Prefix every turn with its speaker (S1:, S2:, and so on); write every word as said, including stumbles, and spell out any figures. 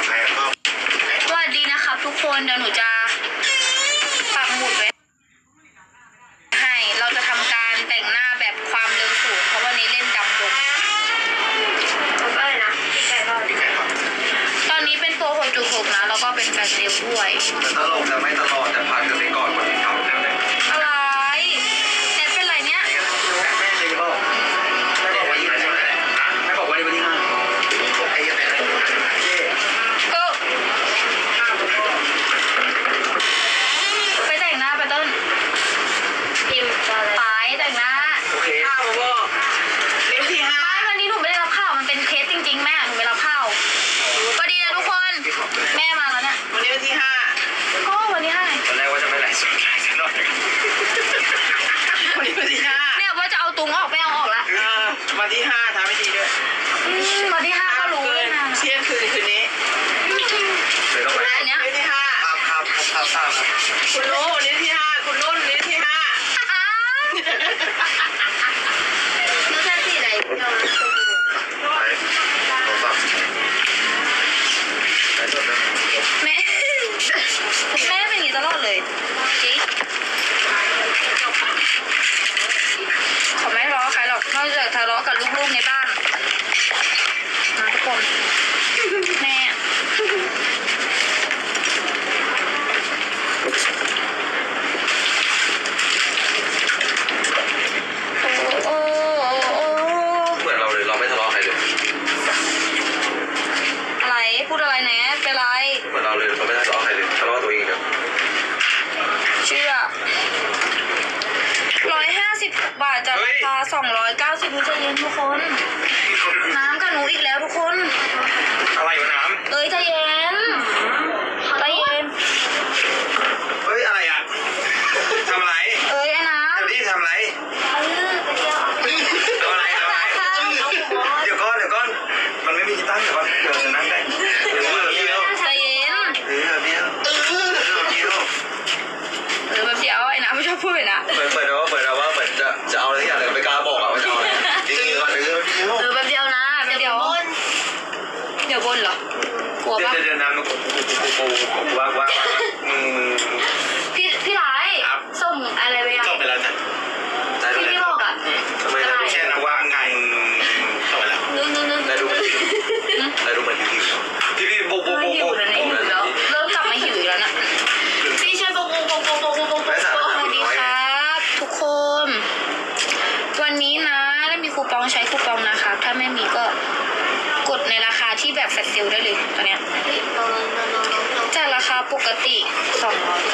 S1: อภัยก็
S2: สวัสดีนะครับทุกคนเดี๋ยวหนูจะปักหมุดไว้ให้เราจะทำการแต่งหน้าแบบความเร็วสูงเพราะวันนี้เล่นดำดงก็เลยนะพี่ไก่ก็ตอนนี้เป็นตัว หกจุดหก นะแล้วก็เป็นแบบเร็วด้วย
S1: ตลกแต่ไม่ตลอดแต่ผ่านกันไปก่อนวันที่ทำแล้วเลย
S2: อะไรเน็ตเป็นไรเนี้ย
S1: ไม่เลยบอกไม่บอกวันที่ใช่ไหมไม่บอกวันที่วันที่ห้าไอ้ยังไง
S2: เออไปแต่งหน้าไปต้นพิมพ์ไปแต่งหน้า
S1: โอเค
S3: ข้าวบอกเล่มที่ห้า
S2: ไม่วันนี้หนูไม่ได้รับข้าวมันเป็นเคสจริงๆแม่หนูไม่รับข้าวก็ดีนะทุกคนแม่มาแล้วเนี่ย
S3: วันนี้วันที่ห้า
S2: ก็วันที่ห้า
S1: ตอนแรกว่าจะไม่ไลฟ์สดไลฟ์ซะหน่อย
S3: วันนี้วันที่ห้า
S2: เนี่ยว่าจะเอาตุงออกไม่เอาออกละ
S3: วันที่ห้าทำให้ดีด้วย
S2: วันที่ห้าก็รู้เลยนะ
S3: เที่ยงคืนคืนนี้
S1: เดี๋ยวต้องไป
S2: อันเนี้ย
S3: วันที่ห้า
S1: ครับครับครับครับ
S3: คุณรู้วันนี้ที่ห้าคุณรุ่นวันนี้ที่ห้า
S2: แล้วแค่สี่ไหนเราแม่แม่เป็นอย่างนี้ตลอดเลยจิ๊กเขาไม่ทะเลาะใครหรอกนอกจากทะเลาะกับลูกๆในบ้านนะทุกคนแม่โอ้โอ้
S1: เหมือนเราเลยเราไม่ทะเลาะใครเลย
S2: อะไรพูดอะไรนะเป็นไร
S1: เหมือนเราเลยเราไม่ทะเลาะใครเลยทะเลาะตัวเองเดียว
S2: เชื่อร้อยห้าสิบบาทจากราคาสองร้อยเก้าสิบมิลลิลิตรทุกคนน้ำกับหนูอีกแล้วทุกคน
S1: อะไรวะน้ำ
S2: เอ้ยใจเย็นใจเย็น
S1: เฮ้ยอะไรอ่ะทำอะไร
S2: เอ้ยไอ้น้ำ
S1: เดี๋ยวนี้ทำอะไร
S2: เออไปเที่ยว
S1: ทำอะไรทำอะไรเดี๋ยวก้อนเดี๋ยวก้อนมันไม่มีที่ตั้งเดี๋ยวก่อนเดี๋ยวจะนั่งได้เดี๋ยวเดี๋ยว
S2: ใจเย็น
S1: เออเดี๋ยวเออเดี๋ยว
S2: เออแบบเดียวไอ้น้ำไม่ชอบพูดเลยนะ
S1: เหมือนเหมือนว่าเหมือนว่าเหมือนจะจะเอาอะไรอย่างไรไม่กล้าบอกอ่ะว่าจะเอาอะไรจริงๆก่อนเดี๋ยวเดี๋ยว
S2: เออแบบเดียวนะแบบเดียวเดี๋ยวบนเหรอ กลัวปะ
S1: เดี๋ยวเดี๋ยวน้ำมันกูกูกูกูว่าว่ามึงมึง
S2: พี่พี่ร้ายส่งอะไรไปยัง
S1: ส่งไปแล้วจ้ะ
S2: ที่พี่บอกอ่ะ
S1: ทำไมเราแค่นะว่าไงส่งไปแล้ว
S2: นึกนึกนึก
S1: ได้ดูได้ดูเหมือนหิวพี่พี่โบโบโบโบ
S2: หิวแล้วนะหิวแล้วเริ่มกลับมาหิวอีกแล้วนะพี่ช่วยโบโบโบโบโบโบโบโบสวัสดีครับทุกคนวันนี้นะได้มีคูปองใช้คูปองนะครับถ้าไม่มีก็กดในราคาที่แบบแฟลชเซลได้เลยตอนเนี้ยจากราคาปกติสองร้อย